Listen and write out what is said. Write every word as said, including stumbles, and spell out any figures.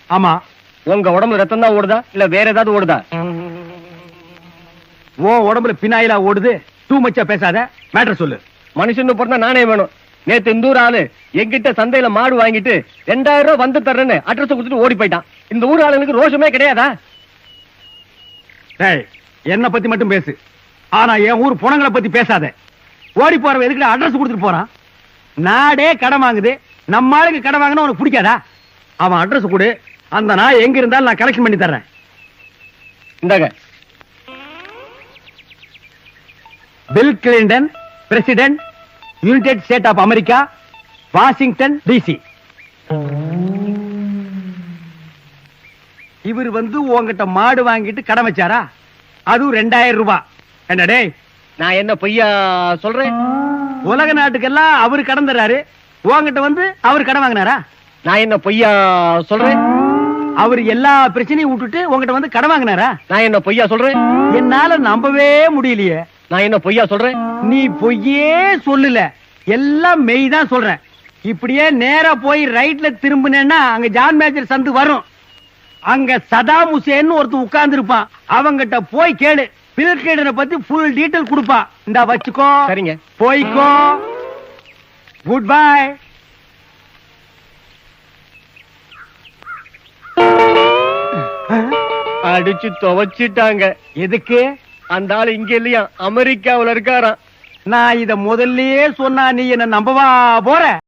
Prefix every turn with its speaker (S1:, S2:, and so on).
S1: ஆமா.
S2: உங்க உடம்புல ரத்தம் தான் ஓடுதா இல்ல வேற ஏதாவது ஓடுதா?
S1: ஓ உடம்புல பினாயிலா ஓடுது. டூ மச்சா பேசாத, மேட்டர் சொல்லு.
S2: மனுஷன் பிறந்தா நானே வேணும். நேத்து இந்த ஊர் ஆளு எங்கிட்ட சந்தையில மாடு வாங்கிட்டு ரெண்டாயிரம் ரூபாய் வந்து தர்றேன்னு அட்ரஸ் கொடுத்துட்டு ஓடி போயிட்டான். இந்த ஊர் ஆளுங்களுக்கு ரோஷமே கிடையாதா?
S1: டேய், என்ன பத்தி மட்டும் பேசு, ஆனா என் ஊர் புணங்களை பத்தி பேசாத. ஓடி போறவன் எதுக்கு அட்ரஸ் கொடுத்துட்டு போறான்? நாடே கடன் வாங்குது, நம்ம ஆளுக்கு கடன் வாங்கினா உனக்கு பிடிக்காதா? அவன் அட்ரஸ் கொடு, அந்த நாய் எங்க இருந்தாலும் நான் கலெக்ஷன் பண்ணி தர்றேன்.
S2: இந்தாங்க.
S1: Bill Clinton, president, United State of America, Washington DC. இவர் வந்து உங்ககிட்ட மாடு வாங்கிட்டு கடன் வச்சாரா? அதுவும் ரெண்டாயிரம் ரூபாய். என்னடே,
S2: நான் என்ன பொய்யா சொல்றேன்?
S1: உலக நாட்டுக்கெல்லாம் அவரு கடன் தர்றாரு, உங்ககிட்ட வந்து அவர் கடன் வாங்கினாரா?
S2: நான் என்ன பொய்யா சொல்றேன்?
S1: அவர் எல்லா பிரச்சனையும் விட்டுட்டு உங்ககிட்ட வந்து கடன் வாங்கினாரா?
S2: நான் என்ன பொய்யா சொல்றேன்?
S1: என்னால நம்பவே முடியலையே.
S2: நான் என்ன பொய்யா சொல்றேன்?
S1: நீ பொய்யே சொல்லல, எல்லாம் மெய் தான் சொல்றேன். இப்படியே நேரா போய் ரைட்ல திரும்பினேன்னா அங்க ஜான் மேஜர் சந்து வரும். அங்க சதாம் ஹுசேன் ஒருத்தன் உட்கார்ந்து இருப்பான். அவங்கிட்ட போய் கேளு, பில் கிளின்டனை பத்தி ஃபுல் டீடைல் கொடுப்பான். இந்தா வச்சுக்கோ.
S2: சரிங்க.
S1: போய்க்கோ. Good bye.
S2: அடிச்சு துவைச்சிட்டாங்க.
S1: எதுக்கு?
S2: அந்த ஆள் இங்க இல்லையா, அமெரிக்காவுல இருக்காராம்.
S1: நான் இத முதல்லயே சொன்னா நீ என்ன நம்பவா போற?